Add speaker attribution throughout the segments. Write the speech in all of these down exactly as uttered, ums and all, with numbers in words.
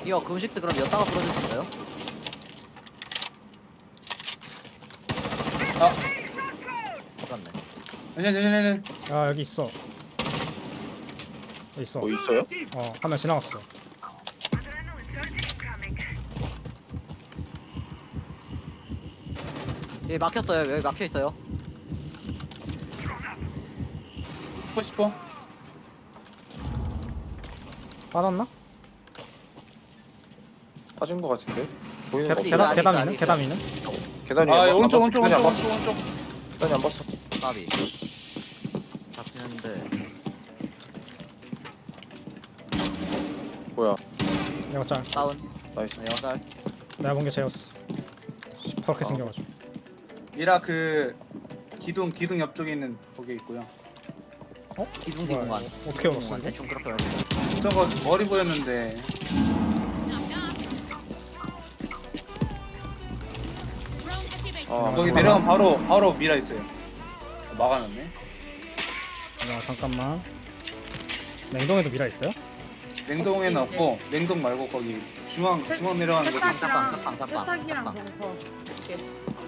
Speaker 1: 이거 금식스 그럼 여다가 풀어줄 수 있어요?
Speaker 2: 아,
Speaker 1: 맞네.
Speaker 2: 아니 아니 아니 아니.
Speaker 3: 야 여기 있어. 여기 있어.
Speaker 4: 뭐 있어요?
Speaker 3: 어, 한 명 지나갔어.
Speaker 1: 여기 막혔어요. 여기 막혀 있어요.
Speaker 2: 싶어 싶어.
Speaker 3: 빠졌나?
Speaker 4: 빠진 거 같은데? 보이는 거
Speaker 1: 계단-
Speaker 3: 계단
Speaker 1: 아직
Speaker 3: 계단
Speaker 1: 있어,
Speaker 3: 위는
Speaker 1: 아직
Speaker 3: 계단
Speaker 1: 있어.
Speaker 3: 위는.
Speaker 4: 계단이
Speaker 2: 아,
Speaker 4: 안 봤-
Speaker 2: 오른쪽
Speaker 4: 안
Speaker 2: 오른쪽
Speaker 4: 봤어. 계단이 안
Speaker 2: 오른쪽
Speaker 4: 봤어.
Speaker 2: 오른쪽 오른쪽.
Speaker 4: 계단이 안 봤어.
Speaker 1: 까비. 잡긴 했는데.
Speaker 4: 뭐야?
Speaker 3: 내가 짤.
Speaker 1: 다운.
Speaker 4: 나이스.
Speaker 1: 네, 여살.
Speaker 3: 내가 본 게 쟤였어. 시퍼렇게
Speaker 4: 어.
Speaker 3: 생겨가지고.
Speaker 2: 미라 그 기둥 기둥 옆쪽에 있는 거기에 있고요.
Speaker 1: 기둥기
Speaker 3: 뭐야,
Speaker 1: 공간.
Speaker 3: 이거 어떻게 열었어
Speaker 1: 공간
Speaker 3: 이거?
Speaker 1: 대충 그렇게 열었어.
Speaker 2: 저거 머리 보였는데.
Speaker 4: 아,
Speaker 2: 거기
Speaker 3: 잠깐만.
Speaker 2: 내려가면 바로 바로 미라 있어요. 막아놨네.
Speaker 3: 야 잠깐만. 냉동에도 미라 있어요?
Speaker 2: 냉동에는
Speaker 5: 없지,
Speaker 2: 없고 냉동 말고 거기 중앙 중앙 내려가는 거.
Speaker 1: 깜빡,
Speaker 5: 세탁이랑
Speaker 1: 깜빡, 깜빡,
Speaker 5: 세탁이랑
Speaker 1: 깜빡.
Speaker 5: 거기서 이렇게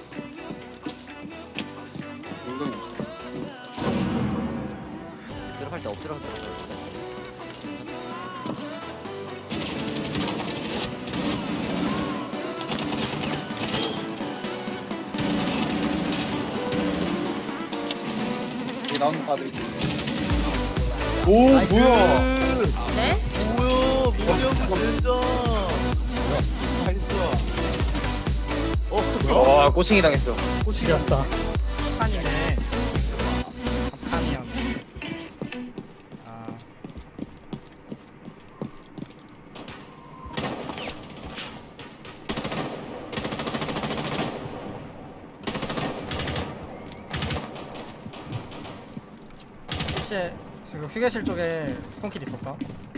Speaker 2: 냉동이 없어.
Speaker 1: 들어갈 때 엎드려서 들어가요.
Speaker 2: 여기 나오는 거 봐드릴게요. 오
Speaker 1: 나이스.
Speaker 2: 뭐야?
Speaker 5: 네?
Speaker 1: 뭐야? 민영 진짜. 어,
Speaker 4: 와, 꼬칭이 당했어.
Speaker 3: 지렸다.
Speaker 5: 아니네.
Speaker 3: 삼칸이야. 아. 혹시 지금 휴게실 쪽에 스폰킬 있었다?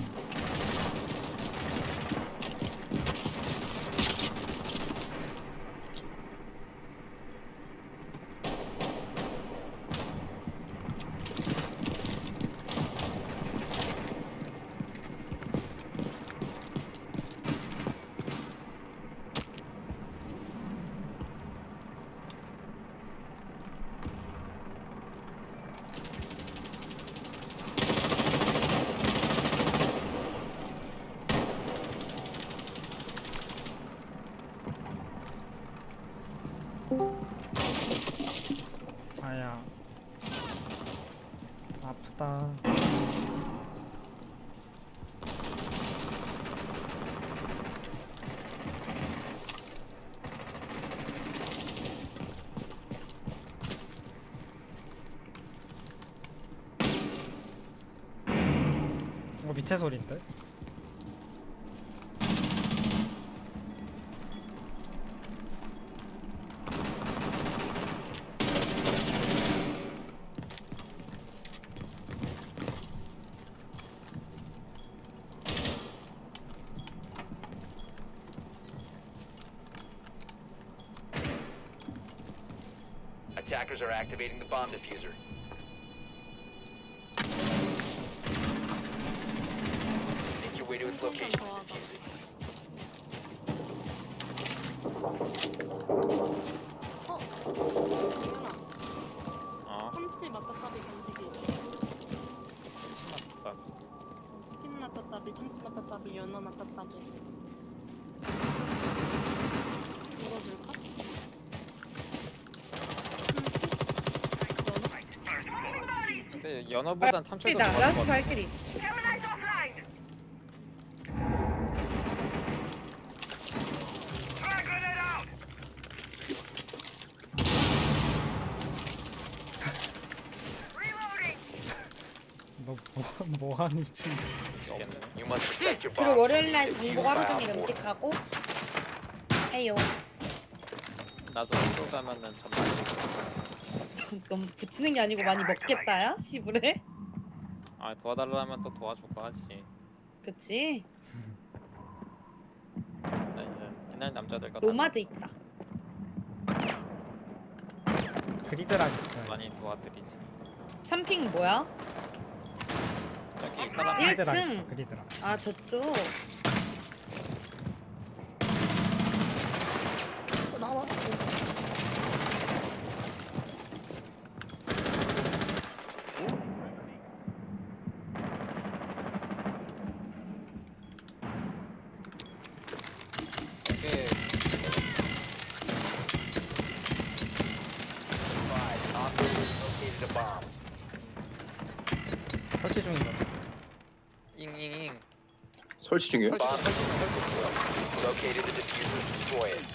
Speaker 3: 아야 아프다. 이거 밑에 소리인데?
Speaker 6: Attackers are activating the bomb diffuser. Make your way to its location and defuse it.
Speaker 7: 어? 참치 맛다따비 간식이
Speaker 6: 참치 맛다따비.
Speaker 7: 치킨 맛다따비, 참치 맛다따비, 연어 맛다따비 이거 줄까?
Speaker 6: 근데 연어보단 참치가 더
Speaker 5: 나
Speaker 6: 좋아하는 것
Speaker 5: 라스트
Speaker 6: 같아.
Speaker 5: 발길이.
Speaker 3: 너 뭐, 뭐하니 지금?
Speaker 6: You must protect your
Speaker 5: 그리고
Speaker 6: bomb.
Speaker 5: 월요일날
Speaker 6: Defuse
Speaker 5: 정보가 하루
Speaker 6: by
Speaker 5: 종일
Speaker 6: op four.
Speaker 5: 음식하고 해요.
Speaker 6: 나도 학교 가면은 정말
Speaker 5: 너무 붙이는 게 아니고 많이 먹겠다야? 시부래?
Speaker 6: 아 도와달라면 또 도와주고 하지.
Speaker 5: 그치?
Speaker 6: 나 이제 옛날 남자들 같아.
Speaker 5: 노마드 있다.
Speaker 3: 그리드락 있어요.
Speaker 6: 많이 도와드리지.
Speaker 5: 삼핑 뭐야?
Speaker 6: 저기 사람
Speaker 5: 일
Speaker 3: 그리드락
Speaker 5: 층.
Speaker 3: 있어. 그리드락.
Speaker 5: 아 저쪽.
Speaker 3: 설치 중인가?
Speaker 1: 잉잉잉.
Speaker 4: 설치 중이에요?
Speaker 6: Bomb has been located the diffuser. Destroy it.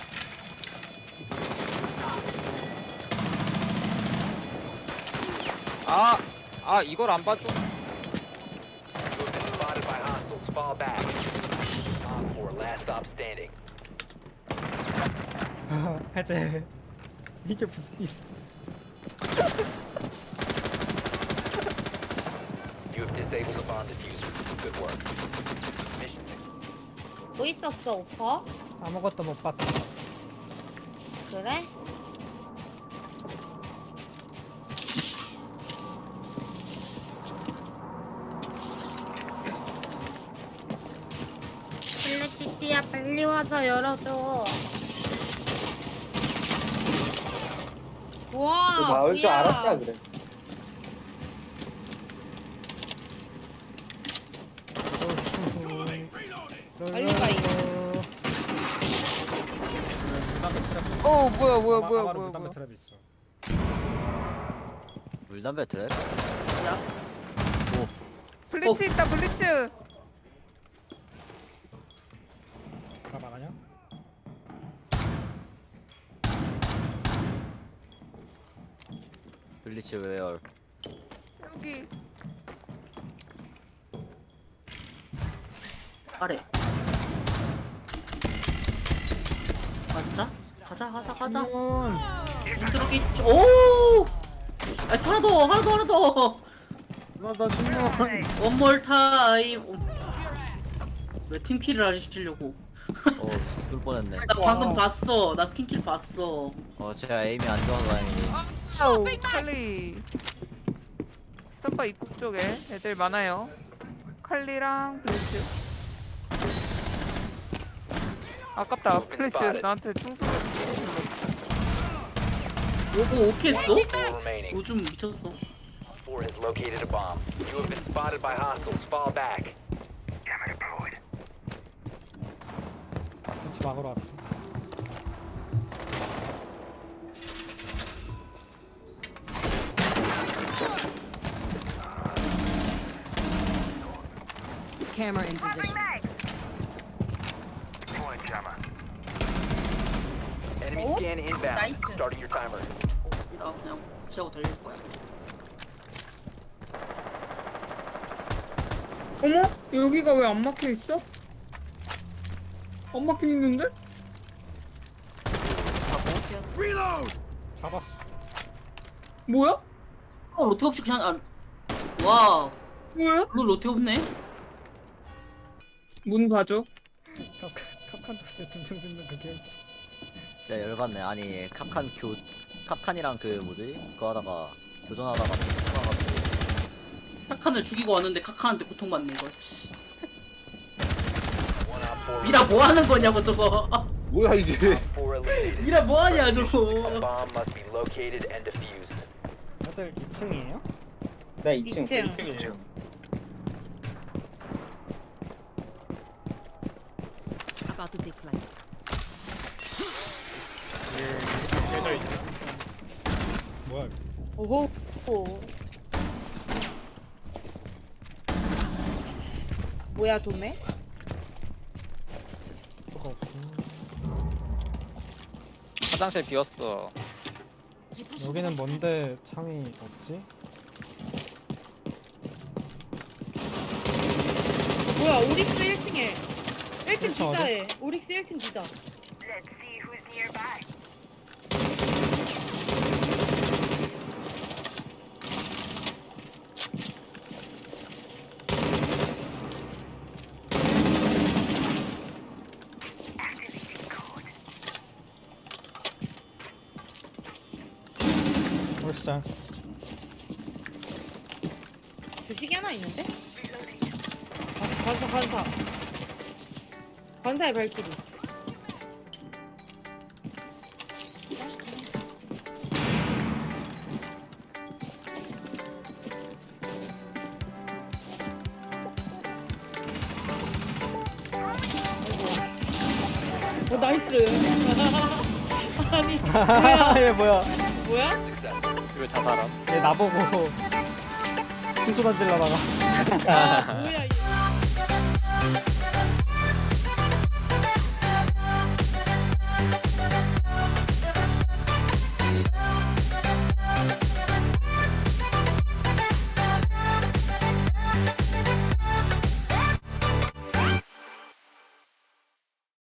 Speaker 8: 아, 아 이걸 안 봐줘.
Speaker 6: You have been spotted by hostiles. Fall back. Op four, last stop standing.
Speaker 3: 해제. 이게 무슨 일?
Speaker 6: You have disabled the bomb diffuser. Good work. Mission
Speaker 5: 뭐 있었어 오빠?
Speaker 3: 아무것도 못 봤어.
Speaker 5: 그래? 블랙시티야 빨리 와서 열어줘. 와,
Speaker 2: 너 나올 줄
Speaker 5: 뭐야.
Speaker 2: 알았다 그래.
Speaker 5: 빨리 가, 이거.
Speaker 9: 어 뭐야 뭐야 뭐야
Speaker 3: 아마로
Speaker 9: 뭐야
Speaker 3: 물담배
Speaker 9: 뭐야.
Speaker 3: 트랩 있어.
Speaker 1: 물담배 트랩?
Speaker 9: 블리츠 있다 블리츠.
Speaker 3: 다 나가냐?
Speaker 1: 블리츠 웨어.
Speaker 9: 여기.
Speaker 10: 아래. 가자. 가자 가자 가자. 들어기. 오. 아 하나 더 하나 더 하나 더.
Speaker 4: 나나 정말.
Speaker 10: 원몰 타임. 왜 팀킬을 하시려고?
Speaker 1: 어, 술 뻔했네.
Speaker 10: 나 방금 봤어. 나 팀킬 봤어.
Speaker 1: 어, 제가 에임이 안 좋아서 다행이지.
Speaker 9: 아우 칼리. 점퍼 입국 쪽에 애들 많아요. 칼리랑 블리츠. 아깝다 블리츠 나한테 충성.
Speaker 10: 요거 오케이 했어?
Speaker 6: four remaining.
Speaker 10: 요즘 미쳤어.
Speaker 6: Four has located a bomb. You have been spotted by hostiles. Fall back.
Speaker 3: 같이 막으러 왔어.
Speaker 5: Camera in position.
Speaker 6: Enemy
Speaker 5: Oh,
Speaker 6: scan inbound.
Speaker 5: nice.
Speaker 6: Starting your timer.
Speaker 10: 나 그냥 지하고 달릴 거야.
Speaker 9: 어머 여기가 왜 안 막혀 있어? 안 막혀 있는데?
Speaker 3: 잡았어.
Speaker 9: 뭐야?
Speaker 10: 어 로테 없이 그냥 안. 와.
Speaker 9: 뭐야?
Speaker 10: 룰 로테 없네.
Speaker 9: 문 봐줘.
Speaker 3: 컵칸 덕스에 두명 짓는 그게.
Speaker 1: 진짜 열받네. 아니, 캅칸 교, 캅칸이랑 그 뭐지? 그거 하다가, 교전하다가, 툭툭하가지고.
Speaker 10: 카칸을 죽이고 왔는데 카칸한테 고통받는 걸. 씨.
Speaker 6: One op four.
Speaker 10: 미라 뭐 하는 거냐고 저거.
Speaker 4: 뭐야 이게?
Speaker 6: Four eliminated.
Speaker 10: 미라 뭐 하냐
Speaker 6: A
Speaker 10: 저거.
Speaker 6: bomb must be located and defused.
Speaker 3: 다들 이 층이에요?
Speaker 2: 네, 이 층.
Speaker 5: 이 층.
Speaker 2: 이 층이에요.
Speaker 5: About to take flight.
Speaker 3: 뭐야?
Speaker 5: 오호. 오. 뭐야 도매?
Speaker 3: 뭐가 없어.
Speaker 8: 화장실 비었어.
Speaker 3: 여기는 뭔데 창이 없지?
Speaker 5: 뭐야 오릭스 일 층에 일 층
Speaker 3: 그렇죠,
Speaker 5: 기자에 오릭스 일 층 기자.
Speaker 3: 올시장.
Speaker 5: 주식이 하나 있는데? 관- 관사 관사 관사의 발키리. 어 나이스. 아니 뭐야
Speaker 3: 얘 뭐야?
Speaker 5: 뭐야?
Speaker 8: 왜 자살함?
Speaker 3: 얘 나보고 풍소 던질라다가.
Speaker 5: 아 뭐야